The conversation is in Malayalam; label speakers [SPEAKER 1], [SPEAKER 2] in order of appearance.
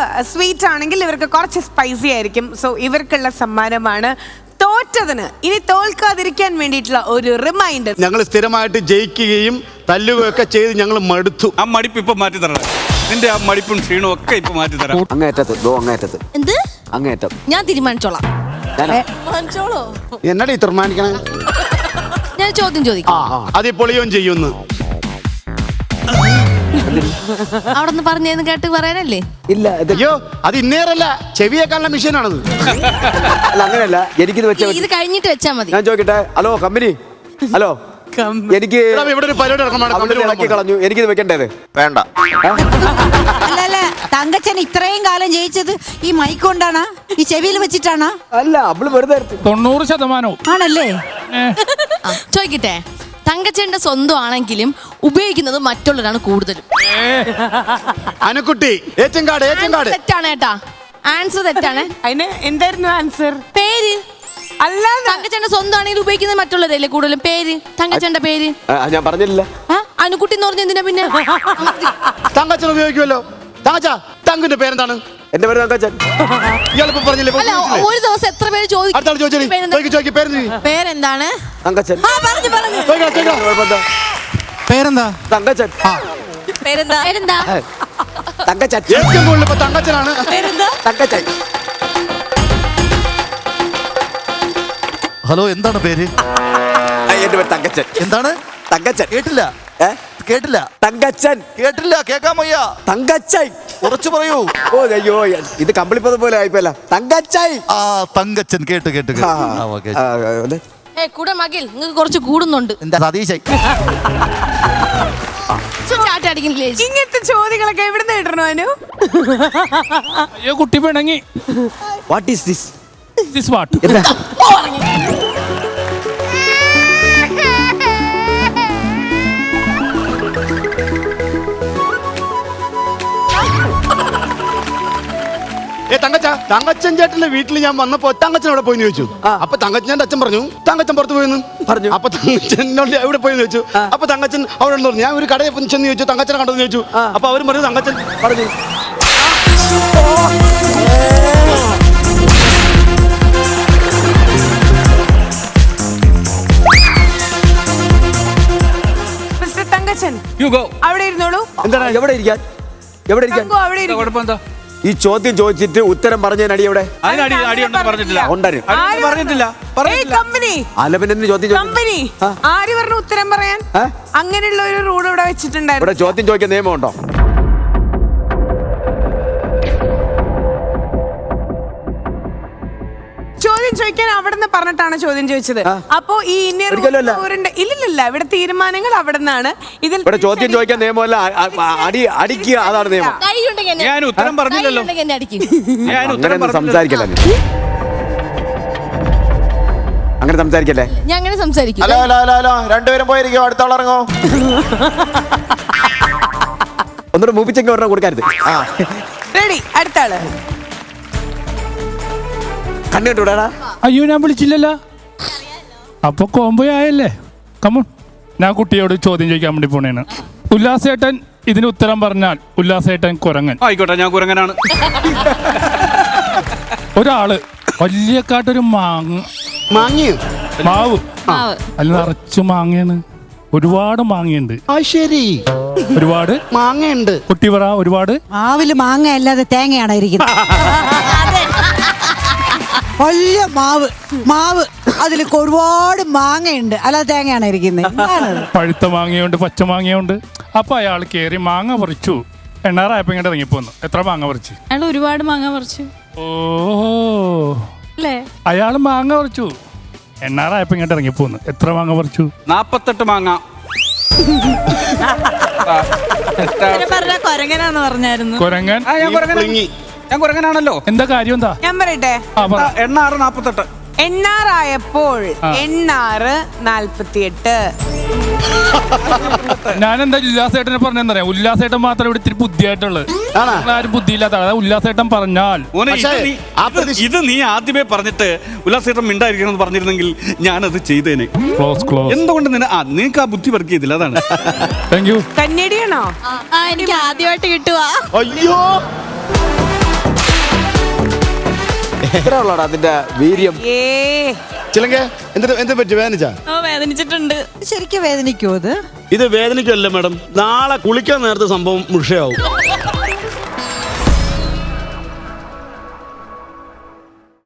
[SPEAKER 1] സ്വീറ്റ് ആണെങ്കിൽ ഇവർക്ക് കുറച്ച് സ്പൈസി ആയിരിക്കും. സോ ഇവർക്കുള്ള സമ്മാനമാണ്. തോറ്റതിന് ഇനി തോൽക്കാതിരിക്കാൻ വേണ്ടിയിട്ടുള്ള ഒരു റിമൈൻഡർ.
[SPEAKER 2] ഞങ്ങൾ സ്ഥിരമായിട്ട് ജയിക്കുകയും തല്ലുകയൊക്കെ ചെയ്ത് ഞങ്ങൾ മടുത്തു.
[SPEAKER 3] ആ മടിപ്പ് ഇപ്പൊ മാറ്റി തരണം. നിന്റെ ആ മടിപ്പും ക്ഷീണവും ഒക്കെ ഇപ്പൊ മാറ്റി തരാം.
[SPEAKER 4] അങ്ങേറ്റത്ത്
[SPEAKER 5] എന്ത്
[SPEAKER 4] അങ്ങേറ്റം
[SPEAKER 5] ഞാൻ തീരുമാനിച്ചോളാം.
[SPEAKER 2] എന്നടി തീരുമാനിക്കണേ?
[SPEAKER 5] ഞാൻ ചോദ്യം ചോദിക്കാം.
[SPEAKER 2] അത് പൊളിയും ചെയ്യുന്നു.
[SPEAKER 5] അവിടെ നിന്ന് പറഞ്ഞേന്ന് കേട്ട് പറയാനല്ലേ?
[SPEAKER 4] ഇല്ല
[SPEAKER 2] അയ്യോ, അത് ഇന്നേറല്ല, ചെവിയേക്കാനുള്ള മെഷീനാണത്.
[SPEAKER 4] അല്ല അങ്ങനെയല്ല, എനിക്കിത് വെച്ചാൽ
[SPEAKER 5] ഇത് കഴിഞ്ഞിട്ട് വെച്ചാ മതി.
[SPEAKER 4] ഞാൻ ചോദിക്കട്ടെ. ഹലോ കമ്പനി, ഹലോ എനിക്ക്
[SPEAKER 2] ഇവിടെ ഒരു പരിപാടി
[SPEAKER 4] ഇറക്കി കളഞ്ഞു, എനിക്കിത് വെക്കണ്ടേത്
[SPEAKER 6] വേണ്ട.
[SPEAKER 7] അല്ല തങ്കച്ചൻ ഇത്രയും കാലം ജയിച്ചത് ഈ മൈക്ക് കൊണ്ടാണ്, ഈ ചെവിയിൽ വെച്ചിട്ടാണ്?
[SPEAKER 4] അല്ല അവള് വെറുതെ
[SPEAKER 8] 90%
[SPEAKER 7] ആണല്ലേ?
[SPEAKER 5] ചോദിക്കട്ടെ, തങ്കച്ചന്റെ സ്വന്തം ആണെങ്കിലും ഉപയോഗിക്കുന്നത് മറ്റുള്ളവരാണ് കൂടുതലും.
[SPEAKER 2] അനുക്കുട്ടി ഏച്ചങ്കാട്
[SPEAKER 5] തെറ്റാണ് കേട്ടാ, ആൻസർ തെറ്റാണ്.
[SPEAKER 1] അതിന് എന്തായിരുന്നു ആൻസർ?
[SPEAKER 5] പേര്
[SPEAKER 1] അല്ല,
[SPEAKER 5] തങ്കച്ചന്റെ സ്വന്തം ആണെങ്കിൽ ഉപയോഗിക്കുന്നത് മറ്റുള്ളവരല്ലേ കൂടുതലും. പേര്, തങ്കച്ചന്റെ പേര്.
[SPEAKER 4] ഞാൻ പറഞ്ഞില്ല.
[SPEAKER 5] അനുക്കുട്ടി എന്ന് പറഞ്ഞ എന്തിനാ പിന്നെ?
[SPEAKER 2] തങ്കച്ചൻ ഉപയോഗിക്കുമല്ലോ. തങ്കിന്റെ പേരെന്താണ്?
[SPEAKER 4] എന്റെ പേര് തങ്കച്ചൻ.
[SPEAKER 2] ഇയാളിപ്പോ പറഞ്ഞില്ലേ?
[SPEAKER 5] അല്ല, ഒരു ദിവസം എത്ര പേര് ചോദിക്കും പേരെന്താണ്?
[SPEAKER 4] തങ്കച്ചൻ.
[SPEAKER 6] പേരെന്താ?
[SPEAKER 4] തങ്കച്ചൻ.
[SPEAKER 5] പേരെന്താ?
[SPEAKER 4] തങ്കച്ചൻ.
[SPEAKER 2] ഏറ്റവും കൂടുതൽ ഇപ്പൊ തങ്കച്ചനാണ്.
[SPEAKER 4] തങ്കച്ചൻ.
[SPEAKER 6] ഹലോ, എന്താണ് പേര്?
[SPEAKER 4] എന്റെ പേര് തങ്കച്ചൻ.
[SPEAKER 6] എന്താണ്?
[SPEAKER 4] തങ്കച്ചൻ.
[SPEAKER 6] കേട്ടില്ല. കേട്ടില്ല.
[SPEAKER 4] തങ്കച്ചൻ.
[SPEAKER 6] കേട്ടില്ല, കേക്കാൻ വയ്യ.
[SPEAKER 4] തങ്കച്ചൻ.
[SPEAKER 6] കുറച്ച് പറയൂ.
[SPEAKER 4] ഓ അയ്യോ, ഇത് കമ്പിളിപ്പത് പോലെ ആയിപ്പോല. തങ്കച്ചൻ.
[SPEAKER 6] ആ തങ്കച്ചൻ. കേട്ടു.
[SPEAKER 5] കൂടെ മകിൽ നിങ്ങൾക്ക് കുറച്ച് കൂടുന്നുണ്ട്.
[SPEAKER 6] എന്താ സതീശൻ?
[SPEAKER 1] ഇങ്ങനത്തെ ചോദ്യങ്ങളൊക്കെ എവിടുന്ന് കിട്ടണോ? അനു,
[SPEAKER 8] അയ്യോ കുട്ടി പിണങ്ങി.
[SPEAKER 4] What is this?
[SPEAKER 8] This what?
[SPEAKER 2] Thankachan ചേട്ടന്റെ വീട്ടിൽ ഞാൻ വന്നപ്പോ തങ്കച്ചൻ അവിടെ പോയി ചോദിച്ചു. അപ്പൊ തങ്കച്ചന്റെ അച്ഛൻ പറഞ്ഞു തങ്കച്ചൻ പുറത്ത് പോയെന്ന് പറഞ്ഞു. അപ്പൊ തങ്കച്ചനോട് എവിടെ പോയി ചോദിച്ചു. അപ്പൊ തങ്കച്ചൻ അവിടെ പറഞ്ഞു. ഞാൻ ഒരു കടയിൽ ചെന്ന് ചോദിച്ചു, തങ്കച്ചനെ കണ്ടെന്ന് ചോദിച്ചു. അപ്പൊ അവരും പറഞ്ഞു തങ്കച്ചൻ പറഞ്ഞു.
[SPEAKER 1] മിസ്റ്റർ തങ്കച്ചൻ അവിടെ ഇരുന്നോളൂ.
[SPEAKER 4] എന്താണ്? എവിടെ ഇരിക്കാൻ?
[SPEAKER 3] കുഴപ്പമെന്താ?
[SPEAKER 4] ഈ ചോദ്യം ചോദിച്ചിട്ട് ഉത്തരം പറഞ്ഞതിനടി എവിടെ? അലവിനെ ചോദ്യം
[SPEAKER 1] കമ്പനി ആര് പറഞ്ഞു ഉത്തരം പറയാൻ? അങ്ങനെയുള്ള ഒരു റൂൾ ഇവിടെ വെച്ചിട്ടുണ്ടായിരുന്നു.
[SPEAKER 4] ഇവിടെ ചോദ്യം ചോദിക്കാൻ നിയമമുണ്ടോ?
[SPEAKER 1] ചോദ്യം ചോദിക്കാൻ അവിടെ നിന്ന് പറഞ്ഞിട്ടാണ് ചോദ്യം ചോദിച്ചത്. അപ്പോ ഈ ഇല്ലില്ല, ഇവിടെ തീരുമാനങ്ങൾ അവിടെ നിന്നാണ്. ഇതിൽ
[SPEAKER 4] ചോദ്യം ചോദിക്കാൻ നിയമമല്ല, അടിക്കുക, അതാണ് നിയമം.
[SPEAKER 3] ഞാൻ ഉത്തരം പറഞ്ഞില്ലല്ലോ.
[SPEAKER 4] സംസാരിക്കല്ലേ, അങ്ങനെ സംസാരിക്കല്ലേ.
[SPEAKER 5] ഞാൻ അങ്ങനെ സംസാരിക്കും.
[SPEAKER 6] ഹലോ, രണ്ടുപേരും പോയിരിക്കോ, അടുത്തോളം ഇറങ്ങോ.
[SPEAKER 4] ഒന്നുകൂടെ മൂപ്പിച്ചെങ്കിൽ ഒരെണ്ണം കൊടുക്കരുത്.
[SPEAKER 1] റെഡി, അടുത്ത ആള്.
[SPEAKER 4] കണ്ടുകിട്ടൂടാ?
[SPEAKER 8] അയ്യോ ഞാൻ വിളിച്ചില്ലല്ലോ. അപ്പൊ കോംബോ ആയല്ലേ. കമോൺ, ഞാൻ കുട്ടിയോട് ചോദ്യം ചോദിക്കാൻ വേണ്ടി പോണേണ്. ഉല്ലാസേട്ടൻ ഇതിന് ഉത്തരം പറഞ്ഞാൽ ഉല്ലാസേട്ടൻ കുരങ്ങൻ.
[SPEAKER 3] ആയിക്കോട്ടെ, ഞാൻ കുരങ്ങനാണ്.
[SPEAKER 8] ഒരാള് വലിയക്കാട്ടൊരു മാവ് അതിൽ നിറച്ച് മാങ്ങയാണ്. ഒരുപാട് മാങ്ങയുണ്ട്.
[SPEAKER 2] ശരി,
[SPEAKER 8] ഒരുപാട്
[SPEAKER 2] മാങ്ങയുണ്ട്.
[SPEAKER 8] കുട്ടി പറ. ഒരുപാട്
[SPEAKER 7] മാവില് മാങ്ങ അല്ലാതെ തേങ്ങയാണ് ഇരിക്കുന്നത്. വലിയ മാവ് അതിൽ ഒരുപാട് മാങ്ങയുണ്ട്, അല്ലാതെ തേങ്ങയാണ് ഇരിക്കുന്നത്.
[SPEAKER 8] പഴുത്ത മാങ്ങയുണ്ട്, പച്ച മാങ്ങയുണ്ട്. അപ്പൊ അയാൾ കേറി മാങ്ങ പറിച്ചു. എണ്ണാറായപ്പോ ഇങ്ങോട്ട് ഇറങ്ങിപ്പോന്നു. എത്ര മാങ്ങ പറിച്ചു?
[SPEAKER 9] അയാൾ ഒരുപാട് മാങ്ങ പറിച്ചു.
[SPEAKER 8] അയാള് മാങ്ങ പറിച്ചു. എണ്ണാറായപ്പോ ഇങ്ങോട്ട് ഇറങ്ങിപ്പോന്നു. എത്ര മാങ്ങ പറിച്ചു?
[SPEAKER 3] 48 മാങ്ങ.
[SPEAKER 9] കൊരങ്ങനാന്ന് പറഞ്ഞായിരുന്നു.
[SPEAKER 8] കൊരങ്ങൻ.
[SPEAKER 3] ഞാൻ കുരങ്ങനാണല്ലോ.
[SPEAKER 8] എന്താ കാര്യം? എന്താ
[SPEAKER 1] ഞാൻ പറയട്ടെ.
[SPEAKER 3] എണ്ണാറ് 48.
[SPEAKER 1] എണ്ണാറായപ്പോൾ എണ്ണാറ് 48.
[SPEAKER 8] ഞാനെന്താ ഉല്ലാസേട്ടനെ പറഞ്ഞെന്നറിയാം. ഉല്ലാസേട്ടൻ മാത്രം ഇവിടെ ഇത്തിരി ബുദ്ധിയായിട്ടുള്ളത്. ആരും ബുദ്ധിയില്ലാത്ത ആളാ. ഉല്ലാസേട്ടൻ പറഞ്ഞാൽ
[SPEAKER 3] ഇത് നീ ആദ്യമേ പറഞ്ഞിട്ട് ഉല്ലാസേട്ടൻ മിണ്ടായിരിക്കണം പറഞ്ഞിരുന്നെങ്കിൽ ഞാനത് ചെയ്തേനെ. എന്തുകൊണ്ട് നിനക്ക് ആ ബുദ്ധി വർക്ക് ചെയ്തില്ല? അതാണ്.
[SPEAKER 8] Thank you.
[SPEAKER 1] കന്നഡിയാണോ?
[SPEAKER 9] എനിക്ക് ആദ്യമായിട്ട് കിട്ടുവാ.
[SPEAKER 2] അയ്യോ,
[SPEAKER 4] എത്ര ഉള്ളടാ അതിന്റെ വീര്യം?
[SPEAKER 1] ഏ
[SPEAKER 2] ചിലങ്ക എന്ത് പറ്റി വേദനിച്ചാ?
[SPEAKER 9] ഓ വേദനിച്ചിട്ടുണ്ട്.
[SPEAKER 7] ശരിക്കും വേദനിക്കുമോ അത്?
[SPEAKER 2] ഇത് വേദനിക്കല്ല മാഡം, നാളെ കുളിക്കാൻ നേരത്തെ സംഭവം മുഷയാവും.